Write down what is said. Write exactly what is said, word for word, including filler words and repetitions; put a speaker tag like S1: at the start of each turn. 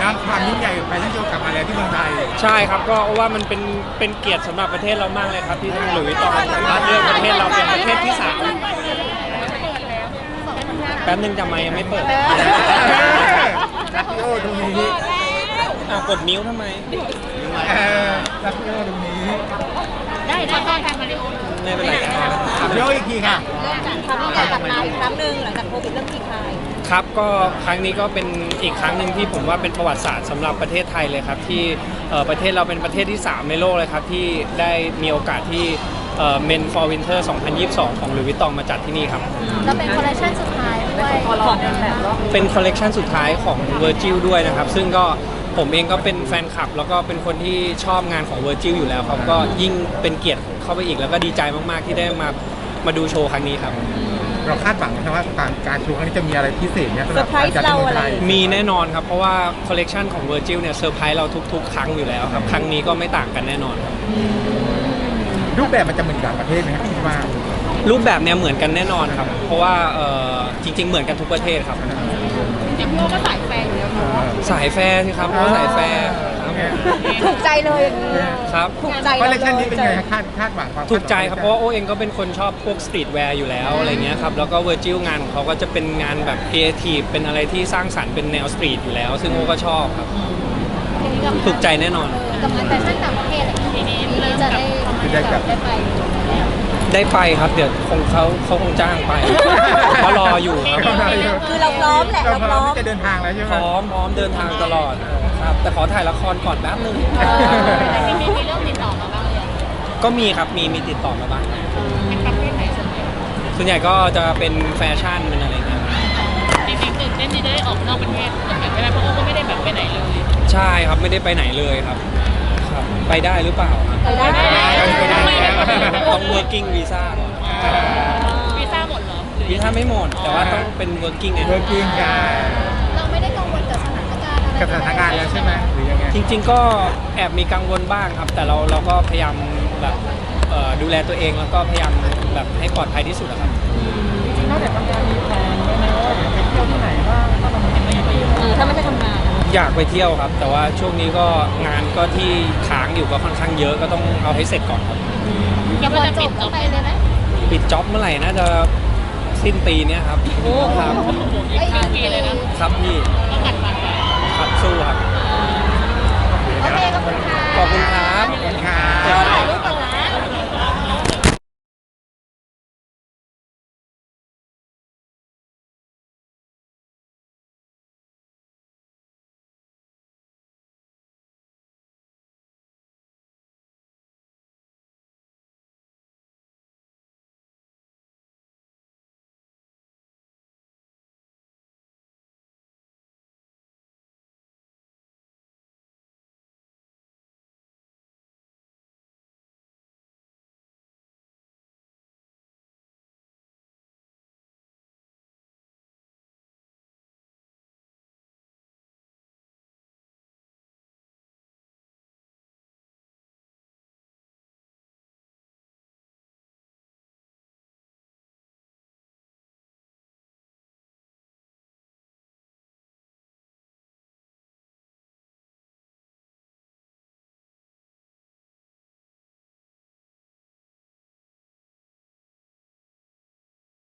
S1: บ้างความยิ่งใหญ่แฟชั่นโชว์กลับมาแล้วที่เมืองไทย
S2: ใช่ครับก็ว่ามันเป็นเป็นเกียรติสำหรับประเทศเรามากเลยครับที่ทางหลุยส์วิตตองสามารถเลือกประเทศเราเป็นประเทศที่สามแป๊บนึงจำไม่ยังไม่เปิด
S1: รักพี่โอตรงนี้
S2: อ่ะกดมิ้วทำไม
S1: เออรักพี่โอตรงนี้
S3: ได้ได้ได้กันมาริโอ
S2: ไม่เป็นไรครับ
S1: ถามพี่โออีกทีค่ะ
S3: เริ่มจากทำให้กลับมาอีกครั้งหนึ่งหลังจากโควิดเริ่มคลี่คลาย
S2: ครับก็ครั้งนี้ก็เป็นอีกครั้งหนึ่งที่ผมว่าเป็นประวัติศาสตร์สำหรับประเทศไทยเลยครับที่เอ่อประเทศเราเป็นประเทศที่สามในโลกเลยครับที่ได้มีโอกาสที่เอ่อ Men for Winter สองพันยี่สิบสอง ของหลุยส์วิตตองมาจัดที่นี่ครับ
S3: แล้วเป็นคอลเลคชันสุดท้ายด้วยของแบบว่า
S2: เป็นคอลเลกชันสุดท้ายของ Virgil ด้วยนะครับซึ่งก็ผมเองก็เป็นแฟนคลับแล้วก็เป็นคนที่ชอบงานของ Virgil อยู่แล้วครับก็ยิ่งเป็นเกียรติเข้าไปอีกแล้วก็ดีใจมากๆที่ได้มามาดูโชว์ครั้งนี้ครับ
S1: เราคาดหวังนะว่าการโชว์ครั้งนี้จะมีอะไรพิเศษเนี่ยสำหรับการจัดที่เมืองไทย
S2: มีแน่นอนครับเพราะว่าคอลเลกชันของ Virgil เนี่ยเซอร์ไพรส์เราทุกๆ ครั้งอยู่แล้วครับครั้งนี้ก็ไม่ต่างกันแน่นอนครับ
S1: รูปแบบมันจะเหมือนต่างประเทศไหมครับคิดว่า
S2: รูปแบบเนี่ยเหมือนกันแน่นอนครับเพราะว่าเอ่อจริงๆ เหมือนกันทุกประเทศครับ
S3: จริงๆพี่โอก็สายแฟนอยู่แล้วเนาะ
S2: สายแฟร์สิครับเพราะว่าสายแฟร์ครับ
S3: ถูกใจเลยอย่างนี้
S2: ครับ
S3: ถูกใจ
S1: คอลเลคชันนี้เป็นไงคาดคาดหวังความ
S2: ถูกใจครับเพราะว่าโอเองก็เป็นคนชอบพวกสตรีทแวร์อยู่แล้วอะไรเงี้ยครับแล้วก็เวอร์จิลงานของเขาก็จะเป็นงานแบบครีเอทีฟเป็นอะไรที่สร้างสรรค์เป็นแนวสตรีทอยู่แล้ว ซึ่งโอก็ชอบครับถูกใจแน่นอน
S3: กับงานแฟชั่นต่างประเทศอะไรอย่างเงี้ยปีนี้จะได้ได้ไป
S2: ได้ไปครับเดี๋ยวคงเขาเขาคงจ้างไปเขารออยู่ครับ
S3: คือเราพร้อมแหละ
S1: เรา
S3: เรา
S1: พ
S3: พ
S1: ร้
S3: ร้
S1: อ
S3: อ
S1: ม
S3: ม
S1: ที่จะเดินทางแล้วใช่ไหม
S2: พร้อมพร้อมเดินทางตลอดครับแต่ขอถ่ายละครก่อนแป๊บนึง
S3: แต่จริงๆมีเรื่องติดต่อมาบ้างเลย
S2: ก็มีครับมีมีติดต่อมาบ้าง
S3: เป็นประเภทไหนส่วนใหญ่
S2: ส่วนใหญ่ก็จะเป็นแฟชั่นเป็นอะไรเงี้ยครับ
S3: จริงๆตื่นเต้นที่จะได้ออกนอกประเทศเหมือนกันไม่ได้เพราะโอ้ก็ไม่ได้แบบไปไหนเลย
S2: ใช่ครับไม่ได้ไปไหนเลยครับครับไปได้หรือเปล่าครับ
S3: ไปได้
S2: ต้อง working visa ก่อน
S3: วีซ่าหมดเหรอ
S2: วีซ่าไม่หมดแต่ว่าต้องเป็น working ไง
S1: เวิร์กิ้งกัน
S3: เราไม่ได้กังวลกับสถานการณ์อะไร
S1: กับสถานการณ์แล้วใช่ไหมหรือยังไง
S2: จริงๆก็แอบมีกังวลบ้างครับ แต่เราเราก็พยายามแบบเอ่อดูแลตัวเองแล้วก็พยายามแบบให้ปลอดภัยที่สุดอะครับ
S1: นอกจากทำงานมีแผนไหมว่าจะไปเที่ยวที่ไหนบ้างถ้าเราไม่ได้ไปอยู่
S3: เออถ้าไม่ได้ทำงาน
S2: อยากไปเที่ยวครับ แต่ว่าช่วงนี้ก็งานก็ที่ค้างอยู่ก็ค่อนข้างเยอะก็ต้องเอาให้เสร็จก่อนครับ
S3: ยังจะปิดจบไปเลยไหม
S2: ปิดจ็อบเมื่อไหร่น่าจะสิ้นปีเนี้ยครับ
S3: โอ้
S2: ครับ
S3: อีกครึ่งปีเลยนะครับ
S2: พี่
S3: ต้องกัดฟันไป